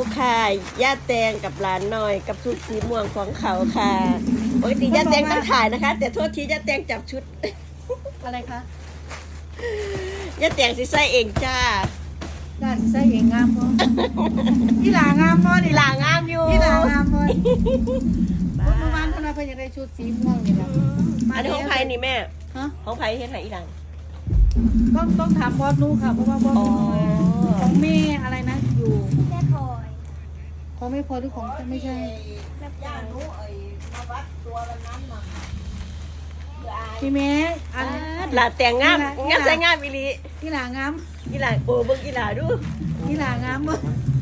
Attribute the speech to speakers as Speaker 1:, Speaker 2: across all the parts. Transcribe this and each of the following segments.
Speaker 1: ค่ะย่าแตงกับหลานน้อยกับชุดสีม่วงของเขาค่ะปกติย่าแตงต้องถ่ายนะคะ แต่โทษทีย่าแตงจับชุด
Speaker 2: อะไรคะ
Speaker 1: ย่าแตงสิใส่เองจ้า
Speaker 2: น่าสิใส่เองงามบ่อีหลางามบ่นี่
Speaker 1: หลางามอยู่
Speaker 2: อีหลางามบ่เมื่อวานเพิ่นว่าเพิ่นอยากได้ชุดสีม่วงนี่แหละ
Speaker 1: อันนี้ของไผ่นี่แม่
Speaker 2: ฮะ
Speaker 1: ของไผ่เฮ็ดไหนอีหลัง
Speaker 2: ต้องถามบอสนูค่ะเพราะว่าบอสนูของแม่อะไรนะอยู่
Speaker 3: แม่พลอย
Speaker 2: ของแม่พอหรือของไม่ใช่
Speaker 3: แม่พลอย
Speaker 2: พี่แม่อัน
Speaker 1: หลานแต่งงามงามใส่งามอีหลี
Speaker 2: อีหลางาม
Speaker 1: อีหลานโอ้เบิ่งอีหลาดู
Speaker 2: อีหลางามบ่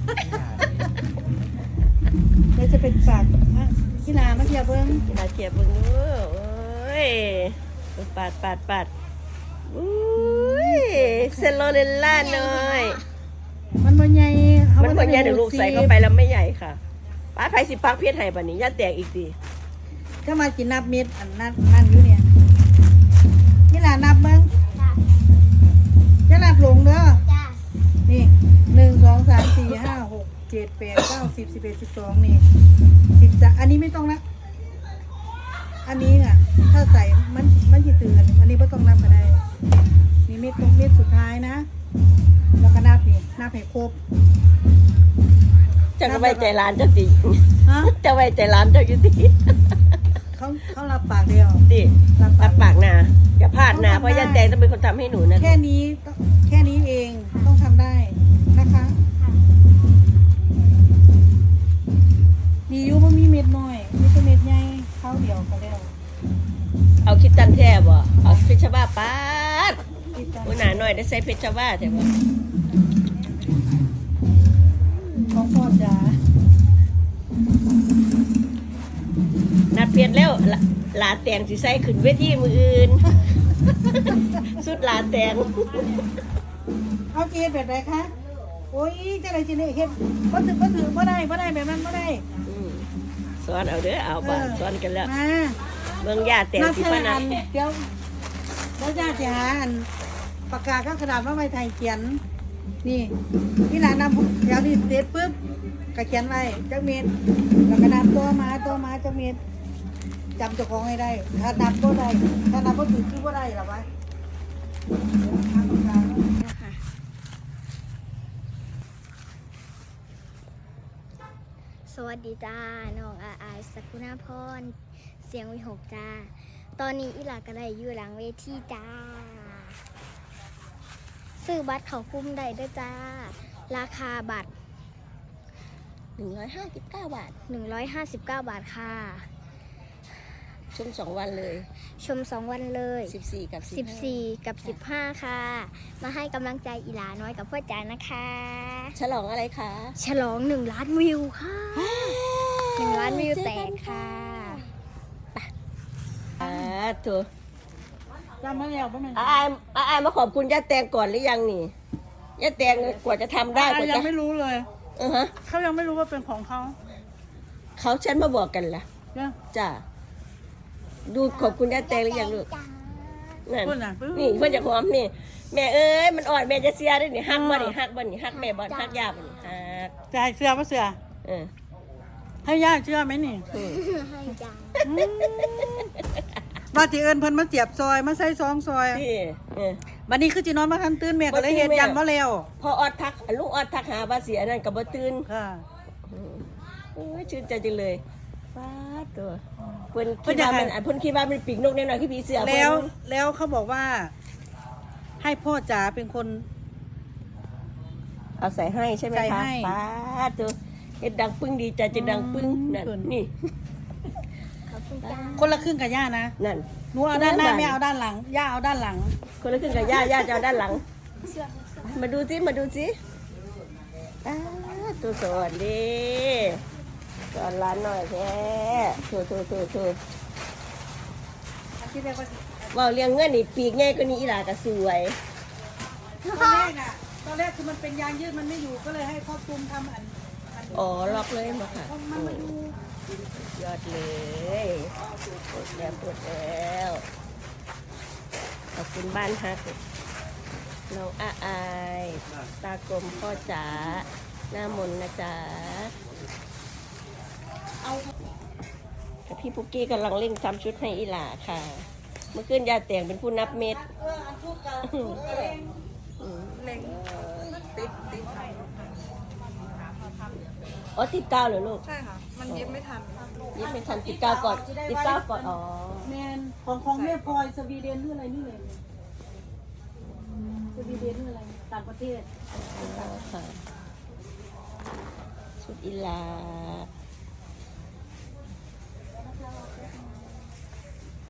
Speaker 2: เดี๋ยวจะเป็นฝากอีหลามาเที่ยวเบิ่ง
Speaker 1: อีหลาเก็บเบิ่งดูโอ้ยปาดอุ้ยเซลโลเลลล่าหน่อย
Speaker 2: มันบ่ใหญ่
Speaker 1: มันคนใหญ่เดี๋ยวลูกใส่เข้าไปแล้วไม่ใหญ่ค่ะป้าไผ่สิปักเพชรให้บัดนี้ย่าแตกอีกที
Speaker 2: ก็มากินนับเม็ดอันนั่นอยู่เนี่ยอีหลานับเบิ่ง
Speaker 3: จ้า
Speaker 2: อย่านับหลงเด้อ
Speaker 3: จ้า
Speaker 2: นี่1 2 3 4 5 6 7 8 9 10 11 12นี่13อันนี้ไม่ต้องนะอันนี้อ่ะถ้าใส่มันสิตื่นอันนี้ไม่ต้องนับก็ได้นี่เม็ดตรงเม็ดสุดท้ายนะแล้วก็นับนี่นับให้ครบ
Speaker 1: จะไว้ใจร้านเจ้าติ
Speaker 2: ฮะ
Speaker 1: จะไว้ใจร้านเจ้าอยู่ติ
Speaker 2: เขารับปากเดียว
Speaker 1: ติรับปากนะอย่าพลาดนะเพราะย่าแตงต้องเป็นคนทำให้หนูนะ
Speaker 2: แค่นี้เองต้องทำได้นะคะมีอยู่บ่มีเม็ดน้อยมีแต่เม็ดใหญ่เข้าเดียวก็แล้ว
Speaker 1: เอาคิดตันแท้บ่เอาเพชรบ้าป้าด
Speaker 2: ติดตาม
Speaker 1: หัวหน้าหน่อยได้ใส่เพชรบ้าแต่ว่า
Speaker 2: ของพ่อจ๋า
Speaker 1: นัดเพชรแล้วหลาแตงสิใส่ขึ้นเวทีมืออื่น สุดหลาแตง
Speaker 2: เอาเจียนแบบไหนคะโอ้ยจะอะไรจีเนี่ยเฮ็ดบ่ถือบ่ได้แบบนั้นบ่ได้
Speaker 1: อืมสอนเอาเด้อเอาบ่สอนกันแล้ว
Speaker 2: มา
Speaker 1: เบิ่งย่าแตง
Speaker 2: นับ
Speaker 1: สิ
Speaker 2: แค่
Speaker 1: พะนั
Speaker 2: อั
Speaker 1: น
Speaker 2: นเดี๋ยวแล้วญาติหาอันปากกาก็กระดาษมาไว้ไทยเขียนนี่นี่หลานนำเดี๋ยวนี่เสร็จปุ๊บก็เขียนไว้จักเม็ดแล้วก็นับตัวมาจักเม็ดจำเจ้าของให้ได้ถ้านับบ่ได้ถ้านับบ่ถูกคือบ่ได้หรอวะทำปากกา
Speaker 3: สวัสดีจ้าน้องอายสกุณาพรเสียงวิหกจ้าตอนนี้อีหลาก็ได้อยู่หลังเวทีจ้าซื้อบัตรเขาคุ้มได้ด้วยจ้าราคาบัตร
Speaker 1: 159 บาท
Speaker 3: 159 บาทค่ะ
Speaker 1: ชม2 วันเลย
Speaker 3: ชม 2 วันเลย
Speaker 1: 14 กับ
Speaker 3: 14 กับ 15 ค่ะ มาให้กำลังใจอีหลาน้อยกับพ่อจ๋านะคะ
Speaker 1: ฉลองอะไรคะ
Speaker 3: ฉลอง1 ล้านวิวค่ะ1 ล้านวิวแตกค่ะ
Speaker 1: ถูก
Speaker 2: จำมาแล้วป่ะแม่
Speaker 1: อายมาขอบคุณย่าแตงก่อนหรือยังนี่ย่าแตงกว่าจะทำได้กว่า
Speaker 2: ยั
Speaker 1: จะ
Speaker 2: งไม่รู้เลย
Speaker 1: ฮะ
Speaker 2: เขายังไม่รู้ว่าเป็นของเขา
Speaker 1: เขาฉันมาบอกกันล่ะ
Speaker 2: เนี่ย
Speaker 1: จ้าดูขอบคุณย่าแตงหรือยังลูกนั่น
Speaker 2: พูดน่ะ
Speaker 1: นี่เพื่อนจะหอมนี่แม่เอ้ยมันอ่อนแม่จะเสียด้วยนี่ฮักบ่นี่ฮักบ่นี่ฮักแม่บ่ฮักยาบ่นี่ฮัก
Speaker 2: จะให้เสื้อป่ะเสื้อ
Speaker 1: เออ
Speaker 2: ให้ย่าเชื่อไหมนี่
Speaker 3: ให้จ้า
Speaker 2: ว่าที่เอิญเพิ่นมาเสียบซอยมาใส่ซองซอย
Speaker 1: พี่เออ
Speaker 2: บัดนี้คือจีนอนมาทันตื่นแม่ก็เลยเฮ็ดยันบ่แล้ว
Speaker 1: พอออดทักลูกออดทักหาว่าเสียนั่นกับบ่ตื่น
Speaker 2: ค่ะ
Speaker 1: โอ้ยชื่นใจจังเลยฟ้าตัวเพิ่นคิดว่ามันเพิ่นคิดว่ามันปีกนกแน่นอนคือผีเสือ
Speaker 2: แล้วเขาบอกว่า ให้พ่อจ๋าเป็นคน
Speaker 1: เอาใส่ให้ใช่ไหม
Speaker 2: ใส่
Speaker 1: คะ
Speaker 2: ให้
Speaker 1: ฟ้าตัวเฮ็ดดังปึ้งดีใจจะดังปึ้งนั่น
Speaker 2: ส่วน
Speaker 1: นี่
Speaker 3: ขอบคุณจ้า
Speaker 2: คนละครึ่งกับย่านะ
Speaker 1: นั่น
Speaker 2: หนูเอาด้านหน้าแม่เอาด้านหลังย่าเอาด้านหลัง
Speaker 1: คนละครึ่งกับย่าจะเอาด้านหลัง มาดูสิอ้าตัวสวัสดีสอนร้านหน่อยแท้โถ
Speaker 2: อันที่เรียกว่า
Speaker 1: ว่าเลี้ยงเงินนี่ปีกใหญ่กว่านี้อีหลาก็สวย
Speaker 2: ตอนแรกคือมันเป็นยางยืดมันไม่อยู่ก็เลยให้พ่อตุ้มทำอัน
Speaker 1: อ๋อล็อกเลยมาค่ะ
Speaker 2: มันมาอยู่
Speaker 1: ยอดเลยปวดแล้วขอบคุณบ้านฮักน้องอายตากลมพ่อจ๋าหน้ามนต์นะจ๊ะแต่พี่ปุกกี้กำลังเร่งทำชุดให้อีหล่าค่ะ เมื่อคืนยาแต่งเป็นผู้นับเม็ด
Speaker 2: อันทุกกันเล็งติด
Speaker 1: อ๋อติดกาวเหรอลูก
Speaker 2: ใช่ค่ะ มันเย็บไม่ทัน
Speaker 1: ยิบไม่ทันติดกาวก่อนติดกาวก่อนอ๋อ
Speaker 2: แมนของแม่พลอยสวีเดนหรืออะไรนี่เลยสวีเดนหรืออะไรต่างประเทศ
Speaker 1: ค่ะชุดอีหลา